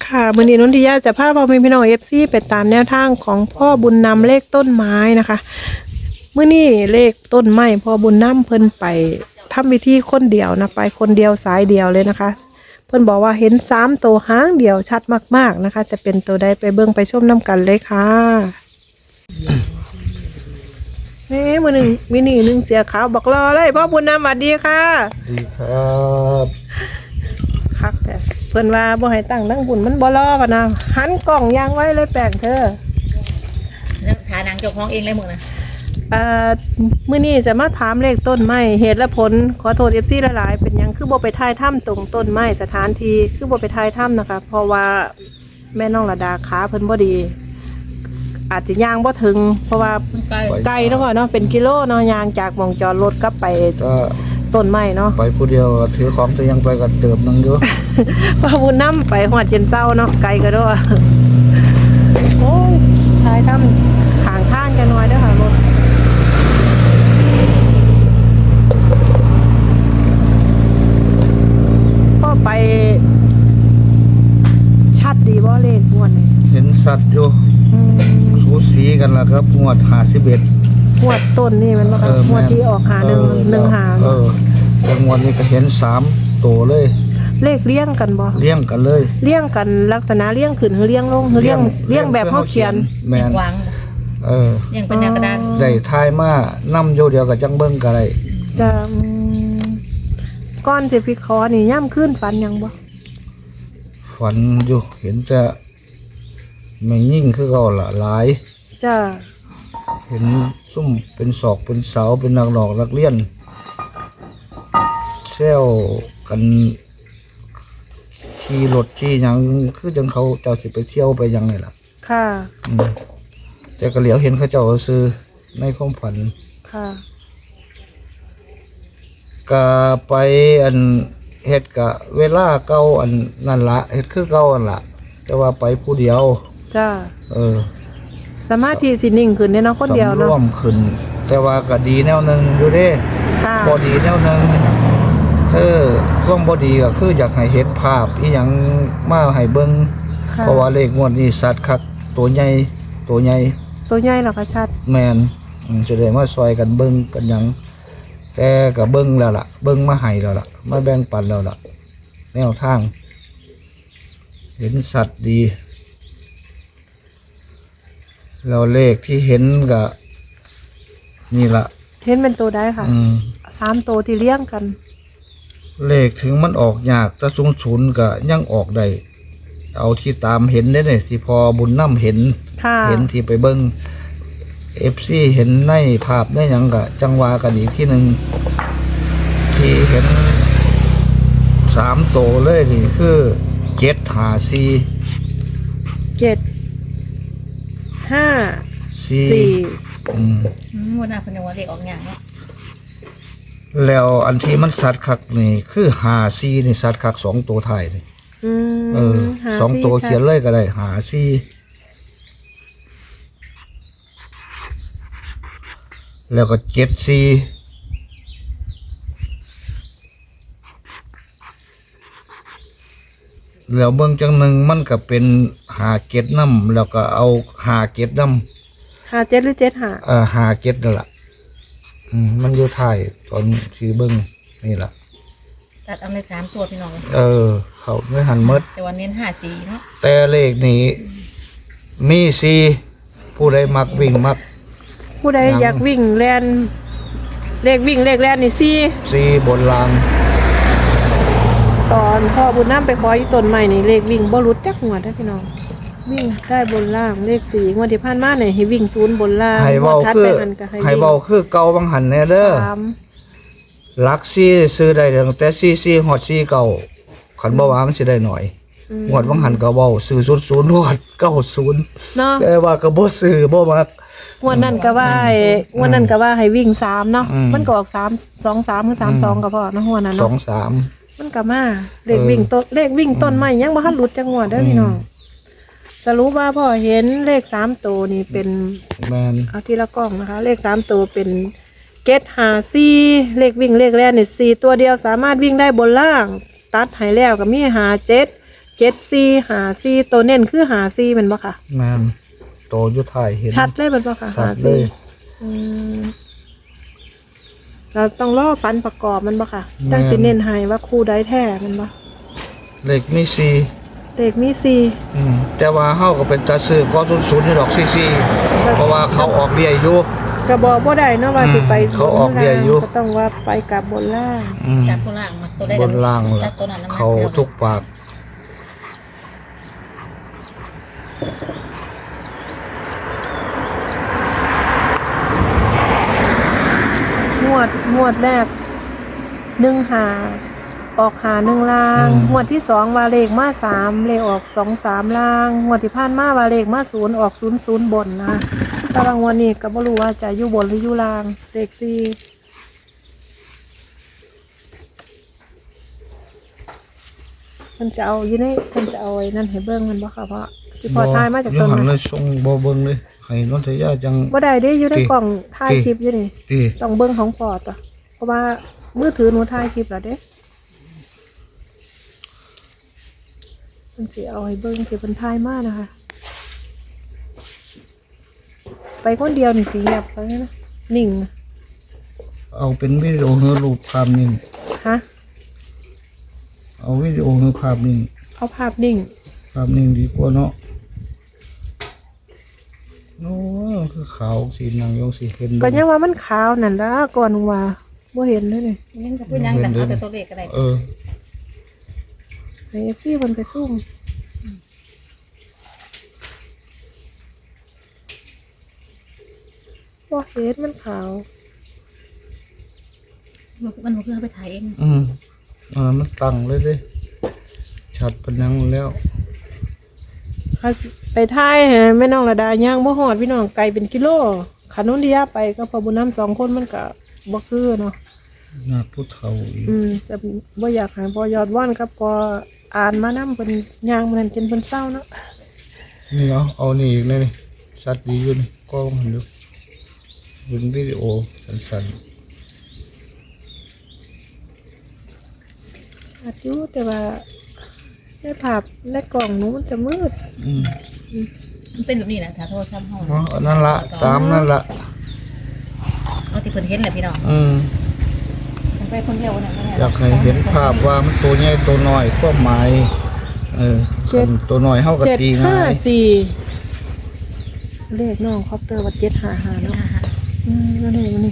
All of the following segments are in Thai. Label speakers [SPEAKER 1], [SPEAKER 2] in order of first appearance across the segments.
[SPEAKER 1] ค่ะมื้อนี้นนทิยาจะพาพ่อแม่พี่น้องFCไปตามแนวทางของพ่อบุญนำเลขต้นไม้นะคะมื้อนี้เลขต้นไม้พ่อบุญนำเพิ่นไปทำพิธีคนเดียวนะไปคนเดียวสายเดียวเลยนะคะเพิ่นบอกว่าเห็น3ตัวหางเดียวชัดมากๆนะคะจะเป็นตัวใดไปเบิ่งไปชมนํกันเลยค่ะนี่มื้อนึงมินินึงเสียขาวบอกรอเลยพ่อบุญนำสวัสดีค่ะ
[SPEAKER 2] ดีครับ
[SPEAKER 1] คักแต่เพิ่นว่าบ่ให้ตั้งทั้งบุญมันบ่รอพะนะหันกล้องยางไว้เลยแปลงเธอ
[SPEAKER 3] แล้วฐานังเจ้าของเองเลยมึงนะ
[SPEAKER 1] มื้อนี้จะมาถามเลขต้นไม้เหตุและผลขอโทษ FC หลายๆเป็นหยังคือบ่ไปถ่ายถ้ำตรงต้นไม้สถานที่คือบ่ไปถ่ายถ้ำนะคะเพราะว่าแม่น้องระดาขาเพิ่นบ่ดีอาจจะย่างบ่ถึงเพราะว่า
[SPEAKER 3] มันไกล
[SPEAKER 1] ไกลเนาะเนาะเป็นกิโลเนาะย่างจากหม่องจอดรถกลับไป
[SPEAKER 2] ก็
[SPEAKER 1] ต้นไม้เนาะ
[SPEAKER 2] ไปผู้เดียวถือของตัวยังไปกับเติมนึงอยู่
[SPEAKER 1] ว่าบุญนำไปฮอดเย็นเช้าเนาะไกลก็ด้วยโอ้ยถ่ายถ้ำข้างทางกันหน่อยเด้อค่ะรถก็ไปชัดดีบ่เลขม่วนนี่
[SPEAKER 2] เห็นสัตว์อยู่สูสีกันแล้วครับงวด51
[SPEAKER 1] งวดต้นนี่มันบ่ครับงวดที่ออกหา1หา
[SPEAKER 2] แล้วงวดนี้ก็เห็น3ตัวเลย
[SPEAKER 1] เลขเลี้ยงกันบ่
[SPEAKER 2] เลี้ยงกันเลย
[SPEAKER 1] เลี้ยงกันลักษณะเลี้ยงขึ้นหรือเลี้ยงลงหรือเลี้ยงแบบเฮาเขียน
[SPEAKER 2] แม่
[SPEAKER 3] ยัง
[SPEAKER 2] น
[SPEAKER 3] วาง
[SPEAKER 2] เออ
[SPEAKER 3] ยังเป็นแนวกระดาน
[SPEAKER 2] ได้ทายมานํอยู่เดียวกับจังเบิ่งก็ได้
[SPEAKER 1] จะก้อนสิพิคอนี่ย่ำขึ้นฝันยังบ่
[SPEAKER 2] ฝันอยู่เห็นแต่แม่งยิ่งคือเก่าล่ะหลาย
[SPEAKER 1] จ้า
[SPEAKER 2] เห็นซุ่มเป็นศอกเป็นเสาเป็นนักหลอกนักเรียนเซลกันขี่รถขี่หยังคือจังเขาเจ้าสิไปเที่ยวไปหยังไงล่ะ
[SPEAKER 1] ค่ะ
[SPEAKER 2] แต่ก็เหลียวเห็นเขาเจ้าซื้อในความฝัน
[SPEAKER 1] ค่ะ
[SPEAKER 2] ก็ไปอันเฮ็ดกะเวลาเก่าอันนั่นละเฮ็ดคือเก่าอันละแต่ว่าไปผู้เดียว
[SPEAKER 1] จ้า สมาธิสินิ่งขึ้นได้เนาะคนเดียว
[SPEAKER 2] สำร
[SPEAKER 1] เนาะ
[SPEAKER 2] วมขึ้น แต่ว่าก็ดีแนวหนึงอยู่เด้
[SPEAKER 1] ค่ะ
[SPEAKER 2] บ่ดีแนวหนึงความบ่ดีก็คืออยากให้เห็นภาพอีหยังมาให้เบิ่ง
[SPEAKER 1] ค่ะ
[SPEAKER 2] เพราะว่าเลขงวดนี้สัตว์คักตัวใหญ่
[SPEAKER 1] ตัวใหญ่หรอกชัด
[SPEAKER 2] แม่นจะได้มาซอยกันเบิ่งกันหยังแต่ก็เบิ่งแล้วล่ะ เบิ่งมาให้แล้วล่ะมาแบ่งปันแล้วล่ะแนวทาง เห็นสัตว์ดีแล้วเลขที่เห็นก็นี่ล่ะ
[SPEAKER 1] เห็นเป็นตัวได้ค่ะ3ตัวที่เลี้ยงกัน
[SPEAKER 2] เลขถึงมันออกยากแต่00ก็ยังออกได้เอาที่ตามเห็นได้เนี่ยที่พอบุญนำเห็น
[SPEAKER 1] ค่ะ
[SPEAKER 2] เห็นที่ไปเบิ่ง FC เห็นในภาพได้หยังก็จังหวากันอีกที่หนึ่งที่เห็น3ตัวเลยนี่คือ754
[SPEAKER 1] 7 5 4
[SPEAKER 3] วันหน้าเพิ่นจะว่าเลขออกอย่างเนาะ
[SPEAKER 2] แล้วอันที่มันสัตว์คักนี่คือ54นี่สัตว์คัก2ตัวท้ายนี่สองตัวเขียนเลยก็ได้54แล้วก็74แล้วเบิ่งจังหนึ่งมันก็เป็น57นำแล้วก็เอา57นำ
[SPEAKER 1] 57หรือ75
[SPEAKER 2] 57นั่นล่ะมันอยู่ท้ายตอนที่เบิ่งนี่ล่ะ
[SPEAKER 3] ตัดเอาเลย3ตัวพี่น้อง
[SPEAKER 2] เขาไม่หันหมด
[SPEAKER 3] แต่วันเน้น54เนาะ
[SPEAKER 2] แต่เลขนี้มี4ผู้ใดมักวิ่งมัก
[SPEAKER 1] ผู้ใดอยากวิ่งแล่นเลขวิ่งเลขแล่นนี่
[SPEAKER 2] 4บนราง
[SPEAKER 1] 4ตอนพ่อบุญนำไปขออยู่ต้นไม้นี่เลขวิ่งบ่หลุดจักงวดเด้อพี่น้องวิ่งได้บนล่างเลข4งวดที่ผ่านมานี่ให้วิ่ง0บนล่าง
[SPEAKER 2] ให้เว้าคือเก่าบางหันแน่เด้อ
[SPEAKER 1] 3
[SPEAKER 2] หลัก4ซื้อได้ตั้งแต่44ฮอด4เก่าคันบ่ว่ามันสิได้หน่อยงวดบางหันก็เว้าซื้อ00ฮอด90
[SPEAKER 1] เนาะ
[SPEAKER 2] แต่ว่าก็บ่ซื้อบ่มัก
[SPEAKER 1] งวดนั้นก็ว่าให้วิ่ง3เนาะมันก็ออก3 2 3คือ32ก็พอเนาะงวดนั้นเนาะ
[SPEAKER 2] 2-3
[SPEAKER 1] มันก็มาเลขวิ่งต้นไม้ยังบ่ทันหลุดจักงวดเด้อพี่น้องสรุปว่าพ่อเห็นเลข3ตัวนี่เป็น
[SPEAKER 2] แม่น
[SPEAKER 1] เอาทีละกล้องนะคะเลข3ตัวเป็นเกต54เลขวิ่งเลขแรกนี่4ตัวเดียวสามารถวิ่งได้บนล่างตัดให้แล้วก็มี57 7454ตัวเน้นคือ54แม่นบ่ค่ะ
[SPEAKER 2] แม่นโตอยู่ท้ายเห็น
[SPEAKER 1] ชัดเลยแม่นบ่ค่ะ
[SPEAKER 2] ชัดเลย
[SPEAKER 1] 54อืมเราต้องรอฟันประกอบมันบ่ค่ะจังสิเน้นให้ว่าคู่ใดแท้แมันบ่
[SPEAKER 2] เลขมี4
[SPEAKER 1] เลขมี4
[SPEAKER 2] แต่ว่าเฮาก็เป็นตาซื้อขอ00นี่ดอก44เพราะว่าเขาออกเบี้ยอยู่
[SPEAKER 1] ก็บอกบ่ได้เนาะว่าสิไป
[SPEAKER 2] เขาออกเบี้ยอยู่
[SPEAKER 1] ก็ต้องว่าไปกลับบนล่าง
[SPEAKER 3] จากตัวล่างมาตัวได้
[SPEAKER 2] บนล่าง
[SPEAKER 3] จา
[SPEAKER 2] ล่ะ
[SPEAKER 3] กตัวนั้นนะ
[SPEAKER 2] เขาทุกปาก
[SPEAKER 1] งวดแรก1หาออกหา1ล่างงวดที่2ว่าเลขมา3เลขออก2 3ล่างงวดที่ผ่านมาว่าเลขมา0ออก00บนนะแต่บางวันนี้ก็บ่รู้ว่าจะอยู่บนหรืออยู่ล่างเลข4มันจะเอาอยู่ในเพิ่นจะเอาไอ้นั่นให้เบิ่งมันบ่ค่ะเพราะที่พอทายมาจากต้น
[SPEAKER 2] หัน
[SPEAKER 1] นั้น
[SPEAKER 2] เลยส่งบ่เบิ่งเลยให้นนทยาจัง
[SPEAKER 1] บ่ได้เด้อยู่ในกล่องถ่าย
[SPEAKER 2] ติ
[SPEAKER 1] คลิปอยู่นี่
[SPEAKER 2] ติ
[SPEAKER 1] ต้องเบิ่งของพอต่อเพราะว่ามือถือหนูถ่ายคลิปแล้วเด้มันสิเอาให้เบิ่งที่เพิ่นถ่ายมานะคะ ไปคนเดียวนี่สิเงียบไปนะนิ่งนะ
[SPEAKER 2] เอาเป็นวิดีโอหรือรูปภาพนิ่ง
[SPEAKER 1] ฮะ
[SPEAKER 2] เอาวิดีโอหรือภาพนิ่ง
[SPEAKER 1] เอาภาพนิ่ง
[SPEAKER 2] ภาพนิ่งดีกว่าเนาะโอ้คือขาวสีนางยงสีเห็น
[SPEAKER 1] ก็ยังว่ามันขาวนั่นล่ะก่อนว่าบ่เห็นเลยนี่
[SPEAKER 3] ยังจะพูดยังแต่เอาแต่ตัวเลขก็ได้
[SPEAKER 1] ให้ FC เพิ่นไปซุ่มบ่เห็นมันขาว
[SPEAKER 3] มันเพื่อไปถ่ายเอง
[SPEAKER 2] มันตั้งเลยเด้ชัดเป็นยังแล้ว
[SPEAKER 1] เขาไปถ่ายให้แม่น้องระดาย่างบ่ฮอดพี่น้องไกลเป็นกิโลขันนนทิยาไปก็พอบุญน้ำ2คนมันก็บ่คือเนาะ
[SPEAKER 2] หน้าผู้เฒ่าอีก
[SPEAKER 1] แต่บ่อยากให้พอยอดว่านครับพออ่านมานำเพิ่นย่างมันจนเพิ่นเศร้าเนาะ
[SPEAKER 2] นี่เอานี่อีกเลยนี่ชัดดีอยู่นี่กล้องมันดูเป็นวิดีโอสั้น
[SPEAKER 1] สัตว์อยู่แต่ว่าในภาพในกล่องหนูมันจะมืด
[SPEAKER 3] มันเป็นแบบนี้นะถ้าโทรศัพท์ห้อง
[SPEAKER 2] อันนั่นละตามนั่นละ
[SPEAKER 3] เอาที่เพิ่นเห็นแหละพี่น้องไปคนเดียวเนี่ย
[SPEAKER 2] อยากให้เห็นภาพว่ามันตัวใหญ่ตัวน้อยความหมายคันตัวน้อยเฮาก็ตีง่าย
[SPEAKER 1] 754เลขน้องคอปเตอร์ว่า755เนาะแล้วนี่มัน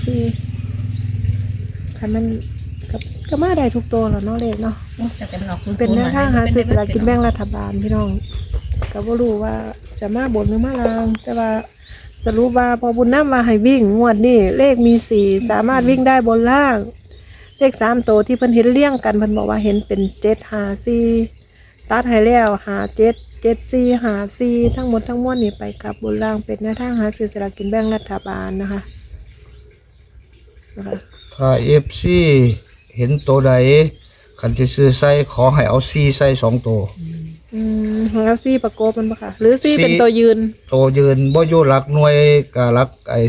[SPEAKER 1] 754คันมันก็มาได้ทุกตัวแล้วเนาะเลขเนาะ
[SPEAKER 3] จะเป็นออกศูนย์
[SPEAKER 1] เป็นแนวทางหาซื้อสลากกินแบ่งรัฐบาลพี่น้องก็บ่รู้ว่าจะมาบนหรือมาล่าง แต่ว่าสรุปว่าพอบุญน้ำมาให้วิ่งงวดนี้เลขมี4สามารถวิ่งได้บนล่าง เลข3ตัวที่เพิ่นเห็นเรียงกันเพิ่นบอกว่าเห็นเป็น754ตัดให้แล้ว57 74 54ทั้งหมดทั้งมวลนี่ไปกับบนล่างเป็นแนวทางหาซื้อสลากกินแบ่งรัฐบาลนะคะ
[SPEAKER 2] ถ้า FC เห็นตัวใดคันที่ซื้อใส่ขอให้เอา4ใส่2ตัว
[SPEAKER 1] แล้วซี่ประกบมันปะค่ะหรือซี่เป็นตัวยืน
[SPEAKER 2] ตัวยืนบ่อยู่หลักหน่วยก็หลักไอ้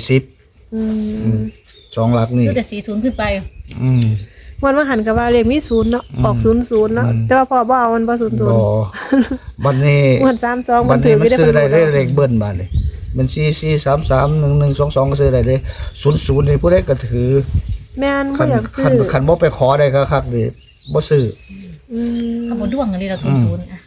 [SPEAKER 2] 10 2หลักนี่
[SPEAKER 3] คือแต่40ขึ้นไป
[SPEAKER 1] วันว่าหันกับว่าเลขมี0เนาะออก00เนาะแต่ว่าพอบ่เอามันบ่00
[SPEAKER 2] บ่บัดนี้
[SPEAKER 1] วัน32
[SPEAKER 2] บั
[SPEAKER 1] มั
[SPEAKER 2] ด
[SPEAKER 1] นถื
[SPEAKER 2] นี้
[SPEAKER 1] อ
[SPEAKER 2] มั
[SPEAKER 1] ไม่
[SPEAKER 2] น
[SPEAKER 1] ได้
[SPEAKER 2] ซื้อได้
[SPEAKER 1] เพิ่น
[SPEAKER 2] เลขเบิ้ลบัดนี้มัน44331122ก็ซื้อได้เลย00นี่ผู้ใดก็ถือ
[SPEAKER 1] แม่นบ่
[SPEAKER 2] คัน
[SPEAKER 1] อยากซื้
[SPEAKER 2] คัน
[SPEAKER 1] อ
[SPEAKER 2] คันบ่ไปขอได้ก็คักนี่บ่ซื้อ
[SPEAKER 3] ขบวนด้วงกันเลยเรา00อ่ะ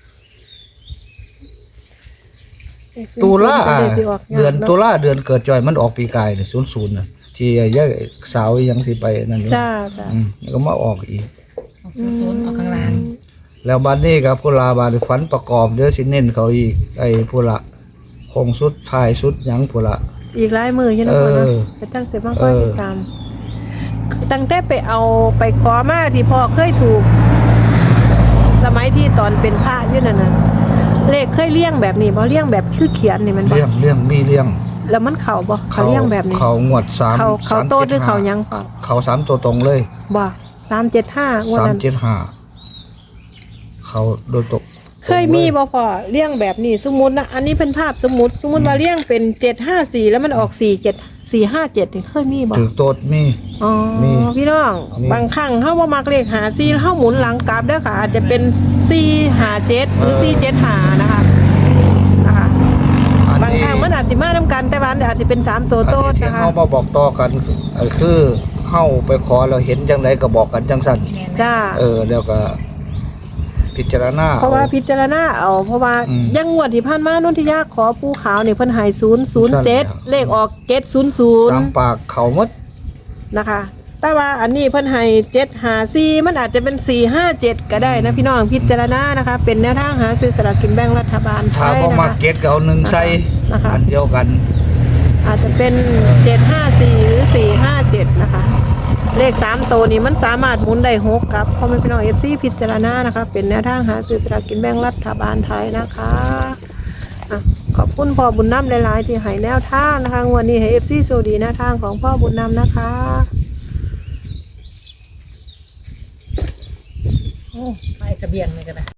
[SPEAKER 2] ตุลาเดือนตุลาเดือนเกิดจอยมันออกปีกายนี่00น่ะที่ยายสาวยังสิไปนั่นอยู่
[SPEAKER 1] จ้า
[SPEAKER 2] แล้วก็มาออกอีก
[SPEAKER 3] 00ออกข้างล่าง
[SPEAKER 2] แล้วบัดนี้ก็ผู้ลาบาดฝันประกอบเด้อสิเน้นเขาอีกไอ้ผู้ละคงสุดท้ายสุดหยังผู้ละ
[SPEAKER 1] อีกหลายมืออยู่นะพ่อเนาะไปตั้งใจมาคอยติดตามตั้งแต่ไปเอาไปขอมาที่พ่อเคยถูก สมัยที่ตอนเป็นพระอยู่นั่นน่ะเลขเคยเลี้ยงแบบนี้บ่เลี้ยงแบบคือเขียนนี่มันบ่
[SPEAKER 2] เรื่องมีเรื่อง
[SPEAKER 1] แล้วมันเข้าบ่เขาเลี้ยงแบบนี้
[SPEAKER 2] เขางวด3
[SPEAKER 1] เขาโตหรือเขายังพ่อ
[SPEAKER 2] เขา3ตัวตรงเลย
[SPEAKER 1] บ่375งวดนั้น
[SPEAKER 2] 375เขาโดยตก
[SPEAKER 1] เคยมีบ่พอเลี้ยงแบบนี้สมมุตินะอันนี้เป็นภาพสมมุติว่าเลี้ยงเป็น754แล้วมันออก47457นี่เคยมีบ่
[SPEAKER 2] ถือโตดมี
[SPEAKER 1] อ๋อ
[SPEAKER 2] มี
[SPEAKER 1] พี่น้อง
[SPEAKER 2] มี
[SPEAKER 1] บางครั้งเฮาบ่มักเลข54แล้วเฮาหมุนหลังกลับเด้อค่ะ อาจจะเป็น457หรือ475นะคะ
[SPEAKER 2] อัน
[SPEAKER 1] บาง
[SPEAKER 2] นี้
[SPEAKER 1] ครั้งมันอาจสิมานํกันแต่ว่าอาจสิเป็น3ตัวโตด
[SPEAKER 2] ที่
[SPEAKER 1] นะคะ
[SPEAKER 2] เฮามาบอกต่อกันคือเฮาไปขอเราเห็นจังไดก็บอกกันจังซั่น
[SPEAKER 3] แม่น
[SPEAKER 1] จ้า
[SPEAKER 2] แล้วก็พิจารณา
[SPEAKER 1] เพราะว่าพิจารณาเอาเพราะว่า
[SPEAKER 2] อืม
[SPEAKER 1] ยังงวดที่ผ่านมานนทิยาขอปูขาวนี่เพิ่นให้007เลขออก
[SPEAKER 2] สาม
[SPEAKER 1] 700
[SPEAKER 2] ปากเขาหมด
[SPEAKER 1] นะคะ แต่ว่าอันนี้เพิ่นให้754มันอาจจะเป็น457ก็ได้นะพี่น้องพิจารณานะคะ เป็นแนวทางหาซื้อสลากกินแบ่งรัฐบาลไท
[SPEAKER 2] ถ้ายบ่
[SPEAKER 1] นะ
[SPEAKER 2] มา
[SPEAKER 1] คะ
[SPEAKER 2] เก็ตก็เอาหนึ่งใส่
[SPEAKER 1] นะคะ
[SPEAKER 2] อันเดียวกัน
[SPEAKER 1] อาจจะเป็น754หรือ457นะคะ เลข3ตัวนี้มันสามารถหมุนได้6กับพ่อแม่พี่น้อง FC พิจารณานะคะเป็นแนวทางหาซื้อสลากกินแบ่งรัฐบาลไทยนะคะอ่ะขอบคุณพ่อบุญนำหลายๆที่ให้แนวทางนะคะงวดนี้ให้ FC โชคดีแนวทางของพ่อบุญนำนะคะ
[SPEAKER 3] ไปเสบียงเลยก็ได้